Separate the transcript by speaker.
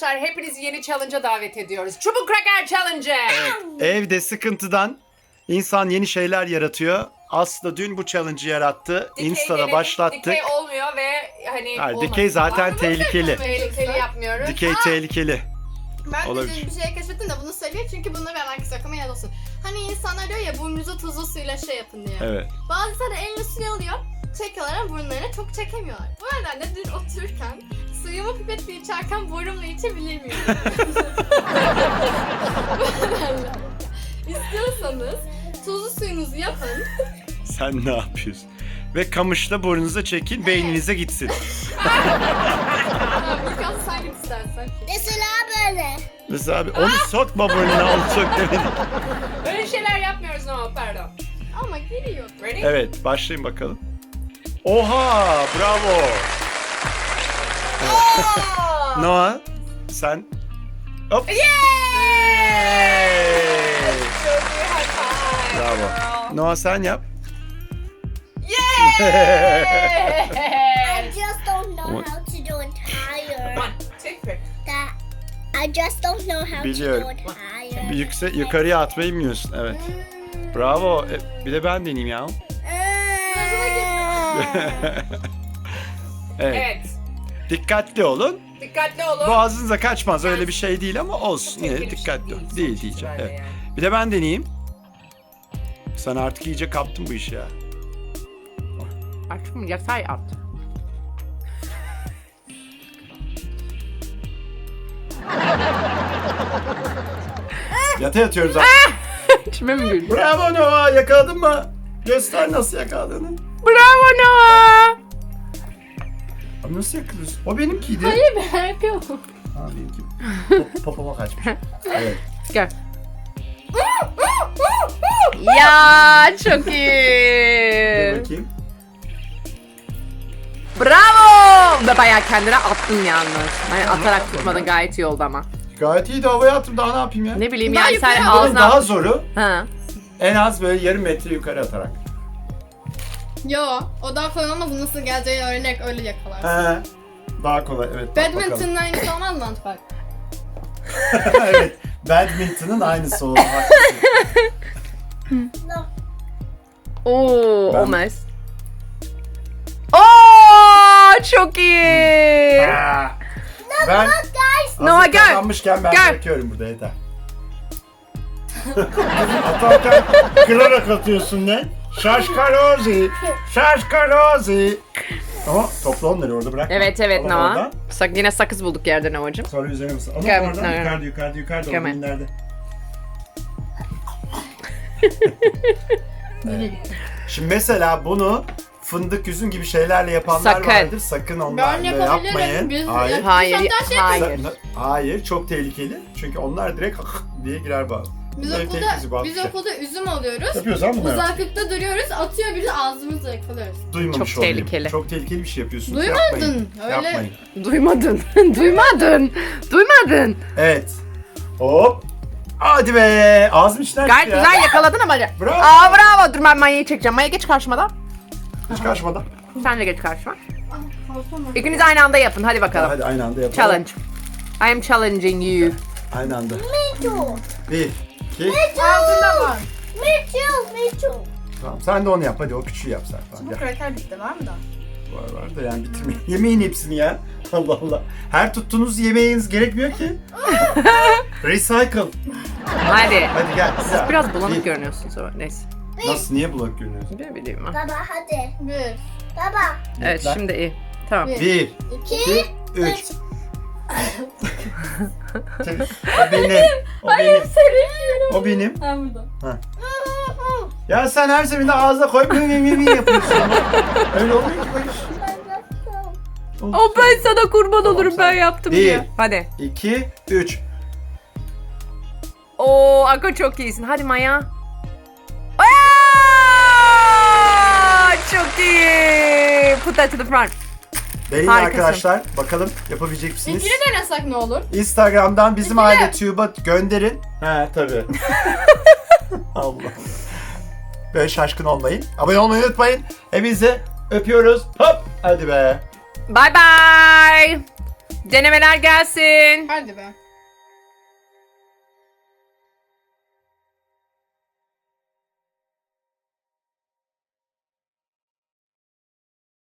Speaker 1: arkadaşlar hepinizi yeni challenge'a davet ediyoruz. Çubuk Kraker Challenge.
Speaker 2: Evet, evde sıkıntıdan insan yeni şeyler yaratıyor. Aslı dün bu challenge'ı yarattı. Insta'da
Speaker 1: denedik,
Speaker 2: başlattık.
Speaker 1: Dikey olmuyor ve hani
Speaker 2: Hayır,
Speaker 1: olmadı.
Speaker 2: dikey zaten tehlikeli.
Speaker 1: Tehlikeli yapmıyoruz.
Speaker 2: Dikey tehlikeli.
Speaker 3: Ben de
Speaker 2: Olabilir.
Speaker 3: dün bir şey keşfettim de bunu söyleyeyim çünkü bunu ben herkes aklıma yer olsun. Hani insanlar diyor ya burnunuzu tuzlu suyla şey yapın diye.
Speaker 2: Evet.
Speaker 3: Bazıları elini suya alıyor, çekiyorlar ama burunlarına çok çekemiyorlar. Bu nedenle dün otururken suyumu pipetle içerken burnumla içebilir miyim? Bu nedenle İstiyorsanız tuzlu suyunuzu yapın.
Speaker 2: Sen ne yapıyorsun? Ve kamışla burnunuza çekin, beyninize gitsin.
Speaker 3: Birkaç sen git istersen.
Speaker 4: Mesela böyle.
Speaker 2: Mesela abi onu sokma burnuna, onu sok demedik.
Speaker 1: Öyle şeyler yapmıyoruz ama pardon.
Speaker 3: Ama giriyor.
Speaker 1: Ready?
Speaker 2: Evet, başlayın bakalım. Oha, bravo. Noah, sen... Hop.
Speaker 1: Çok iyi, high five.
Speaker 2: Bravo. Noah sen yap.
Speaker 4: I just don't know
Speaker 2: What?
Speaker 4: how to do it higher.
Speaker 1: One, two, three.
Speaker 4: I just don't know how
Speaker 2: Biliyorum.
Speaker 4: to do it higher.
Speaker 2: Bir yukarıya atmayı bilmiyorsun, evet. Bravo. Bir de ben deneyeyim ya. Evet.
Speaker 1: Evet.
Speaker 2: Dikkatli olun.
Speaker 1: Dikkatli olun.
Speaker 2: Boğazınıza kaçmaz, öyle bir şey değil ama olsun. Yine
Speaker 1: Tehlikeli bir
Speaker 2: dikkatli
Speaker 1: şey
Speaker 2: olun.
Speaker 1: değil,
Speaker 2: Değil
Speaker 1: sonuç
Speaker 2: diyeceğim.
Speaker 1: itibariyle
Speaker 2: Evet.
Speaker 1: yani.
Speaker 2: Bir de ben deneyeyim. Sen artık iyice kaptın bu işi ya.
Speaker 1: Aşkım yatay at.
Speaker 2: Yata yatıyoruz artık.
Speaker 1: İçime mi güldü?
Speaker 2: Bravo Noah, yakaladın mı? Göster nasıl yakaladığını.
Speaker 1: Bravo Noah.
Speaker 2: Abi nasıl yakalıyorsun? O benimkiydi.
Speaker 3: Hayır ben yapıyorum.
Speaker 2: Ha benimki. Popoma kaçmış. Evet.
Speaker 1: Gel. Ya çok
Speaker 2: Dur
Speaker 1: iyi.
Speaker 2: bakayım.
Speaker 1: Bravo. Ve bayağı kendine attın yalnız. Hani atarak tutmadın, gayet iyi oldu ama.
Speaker 2: Gayet iyi de havaya attım, daha ne yapayım ya?
Speaker 1: Ne bileyim
Speaker 3: Daha
Speaker 1: yani sen
Speaker 3: yukarı
Speaker 2: Bunun
Speaker 1: ağzına...
Speaker 2: daha zoru
Speaker 1: Ha.
Speaker 2: en az böyle yarım metre yukarı atarak.
Speaker 3: Yo, o daha kolay olmaz. Nasıl geleceği öğrenerek öyle yakalarsın.
Speaker 2: He. Daha kolay, evet. Bak bakalım.
Speaker 3: Badminton'un aynısı olmaz mı Antpak?
Speaker 2: Evet. Badminton'ın aynısı oldu. Haklısın.
Speaker 1: Oo,
Speaker 2: Ben-
Speaker 1: olmaz. Oo, çok iyi.
Speaker 2: Aa, ben
Speaker 1: Noah,
Speaker 2: hazır
Speaker 1: gel.
Speaker 2: kazanmışken ben
Speaker 1: Gel.
Speaker 2: bırakıyorum burada, yeter. Atarken kırarak atıyorsun ne? Şaşkalozi. Şaşkalozi. Ama topla onları orada bırak.
Speaker 1: Evet evet
Speaker 2: Al
Speaker 1: Noah.
Speaker 2: oradan.
Speaker 1: Yine sakız bulduk yerde Noah'cığım.
Speaker 2: Sonra üzerine mısın? Ama
Speaker 1: Gel,
Speaker 2: oradan
Speaker 1: Noah.
Speaker 2: yukarıda
Speaker 1: Gel.
Speaker 2: o nerede? Şimdi mesela bunu fındık, üzüm gibi şeylerle yapanlar
Speaker 1: Sakın.
Speaker 2: vardır. Sakın
Speaker 3: Ben
Speaker 2: onlarla
Speaker 3: yapabilirim.
Speaker 2: yapmayın.
Speaker 3: Biz
Speaker 2: Hayır.
Speaker 1: Hayır,
Speaker 3: hatta şey
Speaker 1: hayır.
Speaker 2: Hayır, çok tehlikeli. Çünkü onlar direkt diye girer bağ.
Speaker 3: Biz
Speaker 2: Bunların tehlikesi bazı
Speaker 3: biz
Speaker 2: şey.
Speaker 3: okulda üzüm alıyoruz.
Speaker 2: Yapıyoruz ama bunlar.
Speaker 3: Uzaklıkta duruyoruz, atıyor biri ağzımızla yakalıyoruz.
Speaker 2: Duymamış
Speaker 1: Çok
Speaker 2: olayım.
Speaker 1: tehlikeli.
Speaker 2: Çok tehlikeli bir şey yapıyorsunuz.
Speaker 3: Duymadın,
Speaker 2: Yapmayın.
Speaker 3: öyle.
Speaker 2: Yapmayın.
Speaker 1: Duymadın. Duymadın. Duymadın.
Speaker 2: Evet. Hop. Hadi be. Ağzım içinden
Speaker 1: Gayet
Speaker 2: çıktı ya.
Speaker 1: güzel yakaladın ama.
Speaker 2: Bravo.
Speaker 1: Aa bravo. Dur ben Maya'yı çekeceğim. Maya geç karşıma da.
Speaker 2: Hiç karşımadan.
Speaker 1: Sen de geç karşıma.
Speaker 3: Ah, kalkama.
Speaker 1: İkiniz aynı anda yapın. Hadi bakalım.
Speaker 2: Hadi aynı anda yapalım.
Speaker 1: Challenge. I am challenging you.
Speaker 2: Aynı anda.
Speaker 4: Me too.
Speaker 2: 1, 2.
Speaker 3: Ağzında var.
Speaker 4: Me too. Me too.
Speaker 2: Tamam, sen de onu yap. Hadi o küçüğü yap sen. Tamam,
Speaker 3: Bu
Speaker 2: gel.
Speaker 3: kraker bitti var mı da?
Speaker 2: Var da yani bitirmeyin. Yemeyin hepsini ya. Allah Allah. Her tuttuğunuz yemeğiniz gerekmiyor ki. Recycle.
Speaker 1: Hadi.
Speaker 2: Hadi gel.
Speaker 1: Siz biraz bulanık görünüyorsunuz ama neyse.
Speaker 2: Nasıl? Niye bulanık görünüyorsun?
Speaker 1: Ne bileyim ben.
Speaker 4: Baba hadi.
Speaker 3: Bir,
Speaker 4: Baba.
Speaker 1: Evet
Speaker 2: Lan.
Speaker 1: şimdi iyi. Tamam.
Speaker 2: 1,
Speaker 3: 2,
Speaker 2: 2, 3. O benim. O benim. O benim.
Speaker 3: Ha burada.
Speaker 2: Ya sen her seferinde ağzına koyup mi yapıyorsun. Öyle olmuyor ki bu iş.
Speaker 1: O ben sana kurban
Speaker 2: Tamam,
Speaker 1: olurum
Speaker 2: sen-
Speaker 1: ben yaptım
Speaker 2: Bir.
Speaker 1: diye. Hadi.
Speaker 2: 2, 3.
Speaker 1: Oo Ako çok iyisin. Hadi Maya. Aa, çok iyi. Put that to the front.
Speaker 2: Deneyin
Speaker 1: Harikasın.
Speaker 2: arkadaşlar. Bakalım yapabilecek misiniz?
Speaker 3: İkili denesek ne olur?
Speaker 2: Instagram'dan bizim
Speaker 3: İkili.
Speaker 2: aile tube'a gönderin. He tabii. Allah. Böyle şaşkın olmayın. Abone olmayı unutmayın. Hepinizi öpüyoruz. Hop. Hadi be.
Speaker 1: Bye bye. Denemeler gelsin.
Speaker 3: Hadi be.